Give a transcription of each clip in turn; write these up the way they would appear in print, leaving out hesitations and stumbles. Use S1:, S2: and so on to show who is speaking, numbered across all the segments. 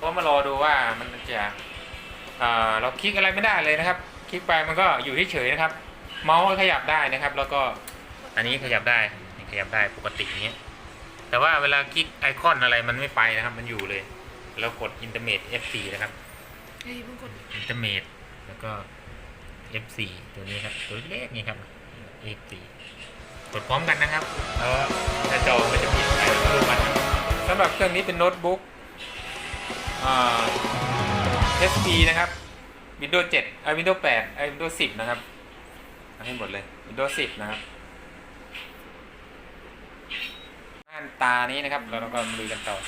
S1: ก็มารอดูว่ามันจะเราคลิกอะไรไม่ได้เลยนะครับคลิกไปมันก็อยู่เฉยๆนะครับเมาส์ขยับได้นะครับ แล้วก็อันนี้ขยับได้ขยับได้ปกติอย่างเงี้ยแต่ว่าเวลาคลิกไอคอนอะไรมันไม่ไปนะครับมันอยู่เลยเรากด Intermate F4 นะครับIntermate แล้วก็ F4 ตัวนี้ครับตัวเล็กนี่ครับ F4 กดพร้อมกันนะครับแล้วถ้าจอมันจะปิดไปดูมันสำหรับเครื่องนี้เป็นโน้ตบุ๊กHP นะครับ Windows 7 Windows 8 Windows 10นะครับให้หมดเลย Windows 10นะครับหน้าตานี้นะครับเราก็มาดูกันต่อ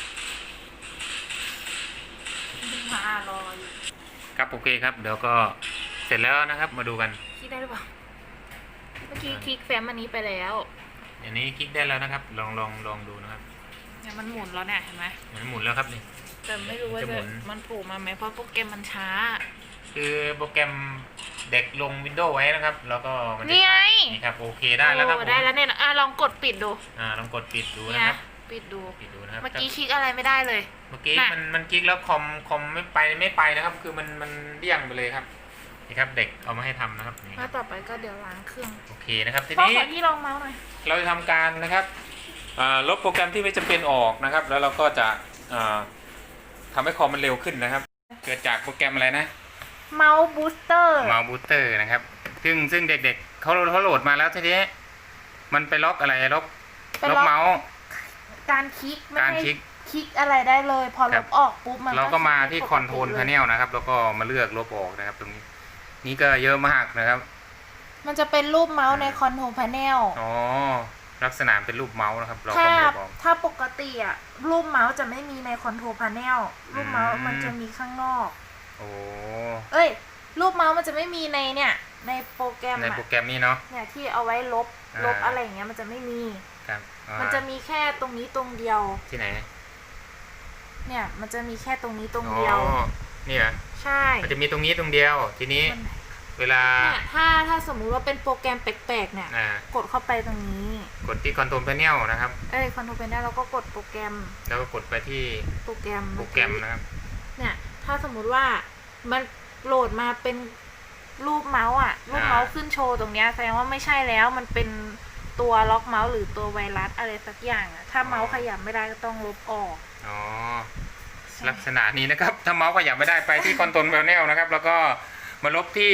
S1: ครับโอเคครับเดี๋ยวก็เสร็จแล้วนะครับมาดูกัน
S2: คลิกได้หรือเปล่าเมื่อกี้คลิกแฟ้มอันนี้ไปแล้ว
S1: อันนี้คลิกได้แล้วนะครับลองดูนะครับ
S2: เนี่ยมันหมุนแล้วเนี่ยเห็นไหม
S1: มันหมุนแล้วครับนี่
S2: แต่ไม่รู้ว่ามันโผล่มาไหมเพราะโปรแกรมมันช้า
S1: คือโปรแกรมเด็กลง Windows ไว้นะครับแล้วก็มัน
S2: นี่ไง
S1: นี่ครับโอเคได้แล้วครับ
S2: ได้แล้วเนี่ยลองกดปิดดู
S1: ลองกดปิดดูนะครับ
S2: ปิดดู
S1: นะครับ
S2: เมื่อกี้คลิกอะไรไม่ได้เลย
S1: เมื่อกี้มันคลิกแล้วคอมไม่ไปนะครับคือมันเลี่ยงไปเลยครับนี่ครับเด็กเอามาให้ทำนะครับ
S2: ถ้าต่อไปก็เดี๋ยวล้างเครื่อง
S1: โอเคนะครับที
S2: นี้ขอที่ลองเมาส์หน่อย
S1: เราจะทำการนะครับลบโปรแกรมที่ไม่จำเป็นออกนะครับแล้วเราก็จะทำให้คอมมันเร็วขึ้นนะครับเกิดจากโปรแกรมอะไรนะ
S2: เมาส์บูสเตอร์
S1: นะครับซึ่งเด็กๆเขาโหลดมาแล้วทีนี้มันไปล็อกอะไรล็อกเมาส์
S2: การคลิกอะไรได้เลยพอลบออกปุ๊บมัน
S1: เราก็มาที่คอนโทรลพาเนลนะครับแล้วก็มาเลือกลบออกนะครับตรงนี้นี่ก็เยอะมากนะครับ
S2: มันจะเป็นรูปเมาส์ในคอนโทรลพาเนล
S1: อ๋อลักษณะเป็นรูปเมาส์นะครับเราก็ลบออก
S2: ถ้าปกติอ่ะรูปเมาส์จะไม่มีในคอนโทรลพาเนลรูปเมาส์มันจะมีข้างนอก
S1: โอ้
S2: รูปเมาส์มันจะไม่มีในเนี่ยในโปรแกรม
S1: นี้เนาะ
S2: เนี่ยที่เอาไว้ลบอะไรอย่างเงี้ยมันจะไม่มี
S1: ครับ
S2: มันจะมีแค่ตรงนี้ตรงเดียว
S1: ที่ไหน
S2: เนี่ยมันจะมีแค่ตรงนี้ตรงเดียว
S1: นี่เหรอ
S2: ใช่
S1: มันจะมีตรงนี้ตรงเดียวทีนี้เวลา
S2: เนี่ยถ้าสมมุติว่าเป็นโปรแกรมแปลกๆเนี่ยกดเข้าไปตรงนี้
S1: กดที่คอนโทรลพาเนลนะครับ
S2: คอนโทรลพาเนลแล้วก็กดโปรแกรม
S1: แล้วก็กดไปที่
S2: โปรแกรม
S1: นะครับ
S2: เนี่ยถ้าสมมุติว่ามันโหลดมาเป็นรูปเมาส์รูปเมาส์ขึ้นโชว์ตรงเนี้ยแสดงว่าไม่ใช่แล้วมันเป็นตัวล็อกเมาส์หรือตัวไวรัสอะไรสักอย่างถ้าเมาส์ขยับไม่ได้ก็ต้องลบออก
S1: ลักษณะนี้นะครับถ้าเมาส์ขยับไม่ได้ไปที่คอนโทรลพาเนลนะครับแล้วก็มาลบที่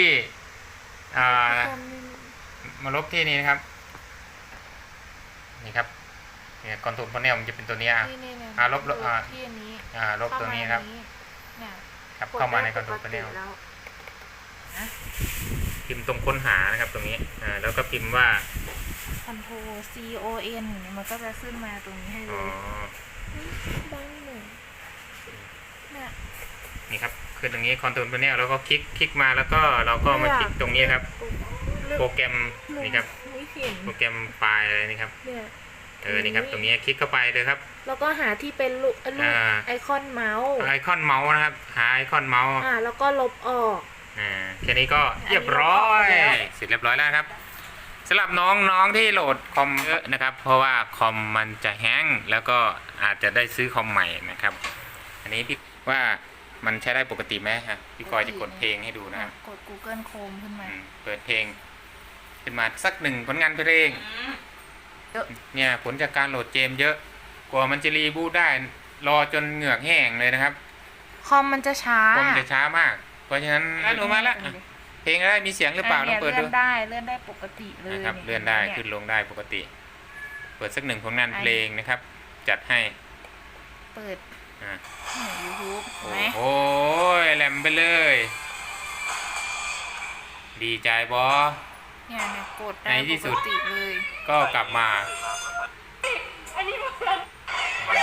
S1: นี่นะครับนี่ครับเนี่ยคอนโทรลพาเนลมันจะเป็นตัวนี้ลบ
S2: ที่นี้
S1: ลบตัวนี้ครับครับเข้ามาในคอนโทรลพาเนลพิมพ์ตรงค้นหานะครับตรงนี้แล้วก็พิมพ์ว่า
S2: Control CON มันก็จะขึ้นมาตรงนี้ให้เลยบ้างหนึ่ง
S1: นี่ครับคือตรงนี้คอนโทรลพาเนลแล้วก็คลิกมาแล้วก็เราก็มาคลิกตรงนี้ครับโปรแกรมนี่ครับโปรแกรมไฟล์อะไรนี่ครับนี่ครับตรงนี้คลิกเข้าไปเลยครับ
S2: แล้วก็หาที่เป็นรูปไอคอนเมาส์
S1: นะครับหาไอคอนเมาส์
S2: แล้วก็ลบออก
S1: แค่นี้ก็เรียบร้อยเสร็จเรียบร้อยแล้วครับสำหรับน้องที่โหลดคอมเยอะนะครับเพราะว่าคอมมันจะแห้งแล้วก็อาจจะได้ซื้อคอมใหม่นะครับอันนี้พี่ว่ามันใช้ได้ปกติไหมฮะพี่กอยจะกดเพลงให้ดูนะครับ
S2: กด Google Chrome ขึ้นมา
S1: เปิดเพลงขึ้นมาสักหนึ่งผลงานเพลงเนี่ยผลจากการโหลดเกมเยอะกว่ามันจะรีบูตได้รอจนเหงือกแห้งเลยนะครับ
S2: คอมมันจะช้
S1: ามากเพราะฉะนั้นหนูมาละเพลงอะไรมีเสียงหรือเปล่าต้องเปิดดู
S2: เลื่อนได้ปกติเลย
S1: นะครับเลื่อนได้ขึ้นลงได้ปกติเปิดสักหนึ่งผลงานเพลงนะครับจัดให้
S2: เปิดYouTube
S1: โอ้ยแหลมไปเลยดีใจบอ
S2: เนี่ยกดได้ที่สุดเลย
S1: ก็กลับมา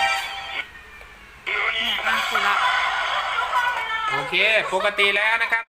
S2: เนี่ยกดละ
S1: โอเคปกติแล้วนะครับ